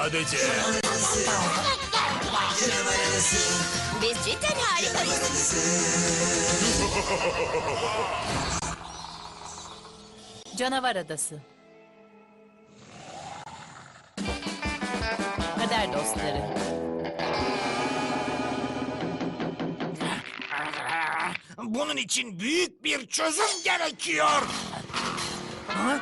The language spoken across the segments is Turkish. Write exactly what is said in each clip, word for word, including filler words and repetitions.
sadece. Biz cidden harikayız. Canavar Adası. Kader dostları. Bunun için büyük bir çözüm gerekiyor. Ha?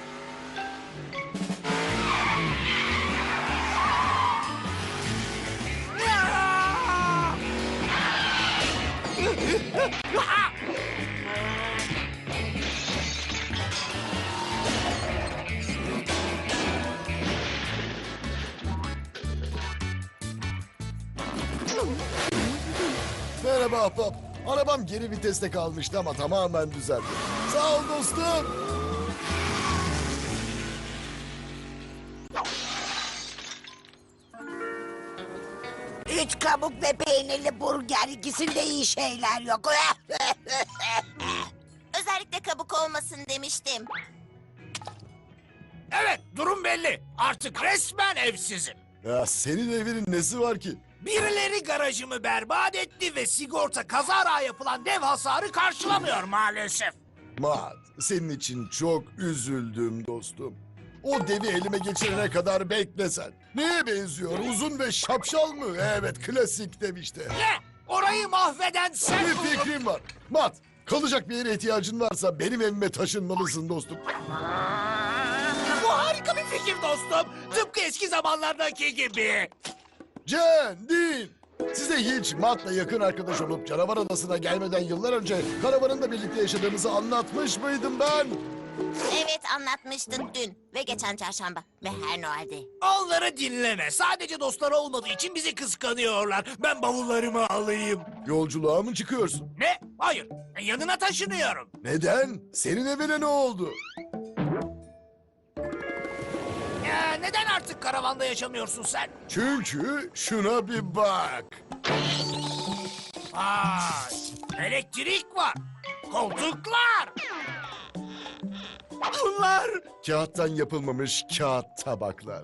Merhaba ahbap. Arabam geri viteste kalmıştı ama tamamen düzeldi. Sağ ol dostum. Üç kabuk ve peynirli burger, ikisinde iyi şeyler yok. Özellikle kabuk olmasın demiştim. Evet, durum belli. Artık resmen evsizim. Ya senin evinin nesi var ki? Birileri garajımı berbat etti ve sigorta kazara yapılan dev hasarı karşılamıyor maalesef. Maat, senin için çok üzüldüm dostum. O devi elime geçirene kadar bekle sen. Neye benziyor? Uzun ve şapşal mı? Evet, klasik dev işte. Ne? Orayı mahveden sen Bir buldun. fikrim var. Maat, kalacak bir yere ihtiyacın varsa benim evime taşınmalısın dostum. Bu harika bir fikir dostum. Tıpkı eski zamanlardaki gibi. Jen, Dean, size hiç Matt'la yakın arkadaş olup Canavar Adası'na gelmeden yıllar önce karavanında birlikte yaşadığımızı anlatmış mıydım ben? Evet, anlatmıştın dün ve geçen çarşamba ve her Noel'de. Onları dinleme. Sadece dostlar olmadığı için bizi kıskanıyorlar. Ben bavullarımı alayım. Yolculuğa mı çıkıyorsun? Ne? Hayır. Yanına taşınıyorum. Neden? Senin evine ne oldu? Ya, neden artık karavanda yaşamıyorsun sen? Çünkü şuna bir bak. Vay. Elektrik var. Koltuklar. Bunlar. Kağıttan yapılmamış kağıt tabaklar.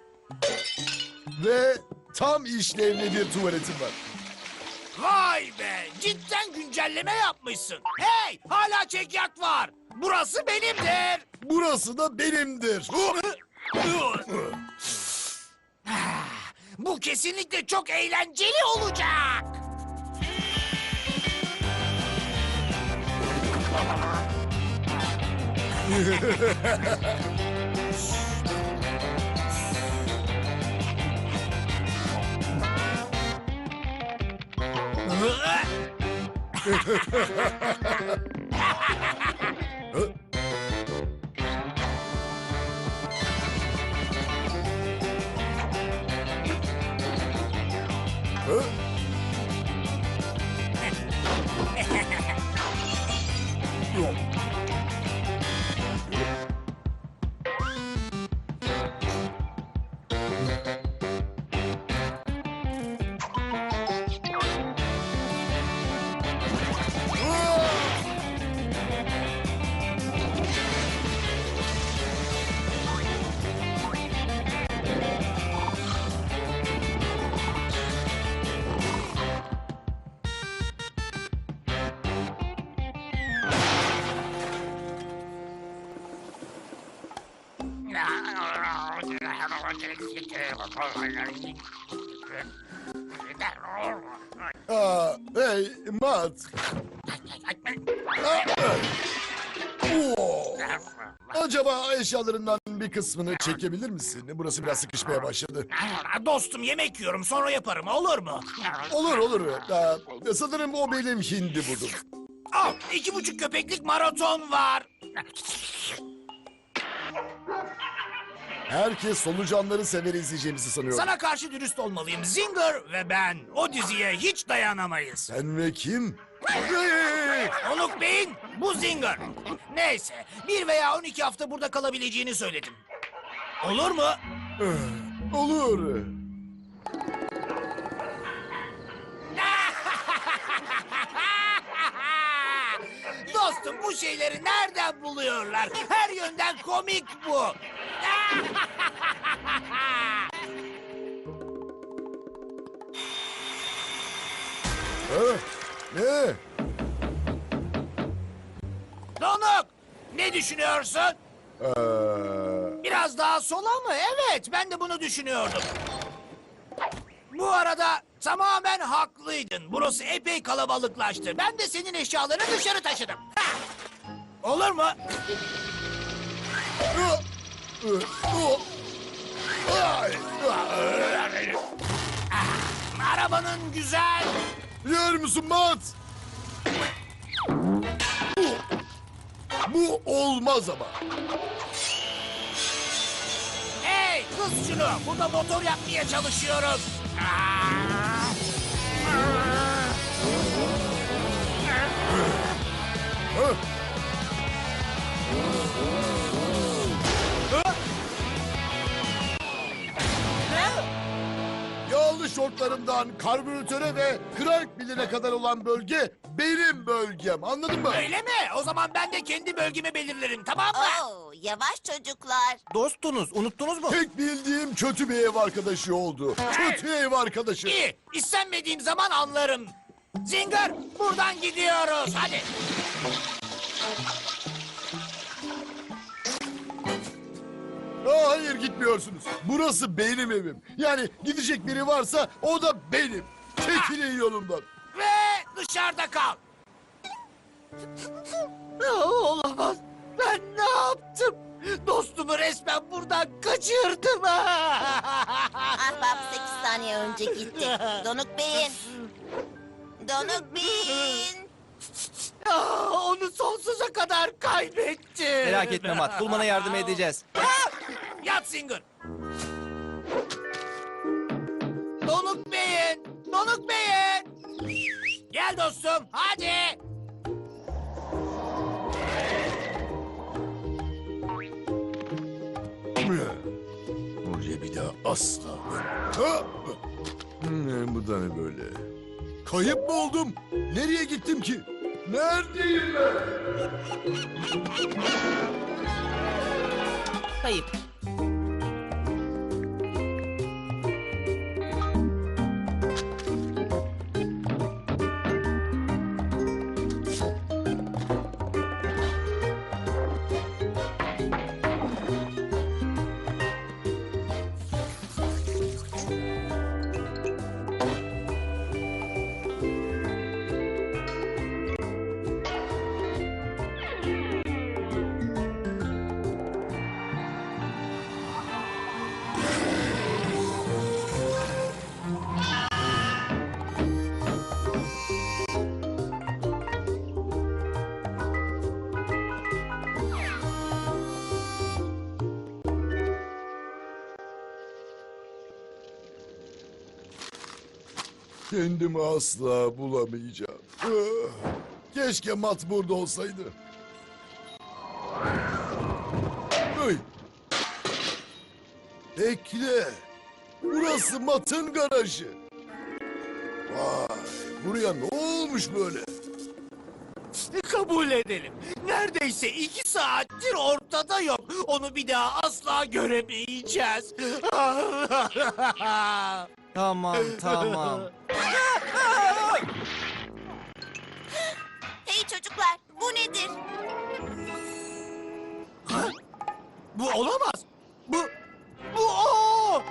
Ve tam işlevli bir tuvaletim var. Vay be. Cidden güncelleme yapmışsın. Hey, hala çekyat var. Burası benimdir. Burası da benimdir. Bu kesinlikle çok eğlenceli olacak. Hı? Hı? Yok. Aa, hey, Matt. Aa, oo. Acaba eşyalarından bir kısmını çekebilir misin? Burası biraz sıkışmaya başladı. Dostum, yemek yiyorum, sonra yaparım, olur mu? Olur olur. Aa, sanırım o benim hindi budum. Al, iki buçuk köpeklik maraton var. Herkes solucanları sever izleyeceğimizi sanıyor. Sana karşı dürüst olmalıyım. Zinger ve ben o diziye hiç dayanamayız. Sen ve kim? Hey! Onuk Bey'in bu Zinger. Neyse, bir veya on iki hafta burada kalabileceğini söyledim. Olur mu? Olur. Dostum, bu şeyleri nereden buluyorlar? Her yönden komik bu. Ha? Ne? Donuk! Ne düşünüyorsun? Ee, Biraz daha sola mı? Evet, ben de bunu düşünüyordum. Bu arada tamamen haklıydın. Burası epey kalabalıklaştı. Ben de senin eşyalarını dışarı taşıdım. Ha! Olur mu? Arabanın güzel. Yer misin Mat? Bu, bu olmaz ama. Hey, kız şunu. Burada motor yapmaya çalışıyoruz. Ha? Yağlı şortlarımdan karbüratöre ve krank biline kadar olan bölge benim bölgem. Anladın mı? Öyle mi? O zaman ben de kendi bölgemi belirlerim, tamam mı? Oo, yavaş çocuklar. Dostunuz, unuttunuz mu? Tek bildiğim kötü bir ev arkadaşı oldu. Kötü ev arkadaşı. İyi, istenmediğim zaman anlarım. Zinger, buradan gidiyoruz. Hadi. Aa, hayır gitmiyorsunuz. Burası benim evim. Yani gidecek biri varsa o da benim. Çekilin yolumdan. Ve dışarıda kal. Olamaz. Ben ne yaptım? Dostumu resmen buradan kaçırdım. Ahbap sekiz saniye önce gitti. Donuk Bey'in. Donuk Bey'in. Ah, Onu sonsuza kadar kaybettim. Merak etme Mat, bulmana yardım edeceğiz. Yat Zinger. Donuk Bey'in. Donuk Bey'in. Gel dostum, hadi. Buraya bir daha asla. Ha! Hmm, bu da ne böyle? Kayıp mı oldum? Nereye gittim ki? Neredeyim ben? Kayıp. Kendimi asla bulamayacağım. Ah, keşke Mat burada olsaydı. Hey. Bekle. Burası Mat'ın garajı. Vay, buraya ne olmuş böyle? Kabul edelim. Neredeyse iki saattir ortada yok. Onu bir daha asla göremeyeceğiz. Tamam, tamam. Hey çocuklar, bu nedir? Bu olamaz. Bu, bu o.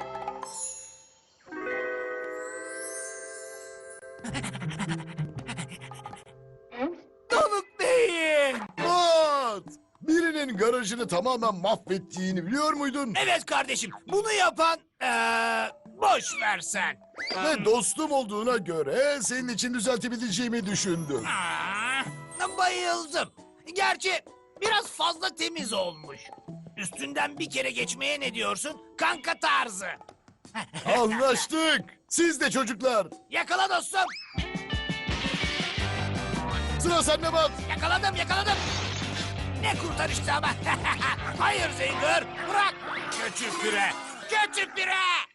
Donuk Bey'in. Mat! Birinin garajını tamamen mahvettiğini biliyor muydun? Evet kardeşim, bunu yapan eee boş ver sen. Ve dostum olduğuna göre senin için düzeltebileceğimi düşündüm. Aa, bayıldım. Gerçi biraz fazla temiz olmuş. Üstünden bir kere geçmeye ne diyorsun? Kanka tarzı. Anlaştık. Siz de çocuklar. Yakala dostum. Sıra sende Mat. Yakaladım, yakaladım. Ne kurtarıştı ama. Hayır Zinger, bırak. Kötü pire, kötü pire.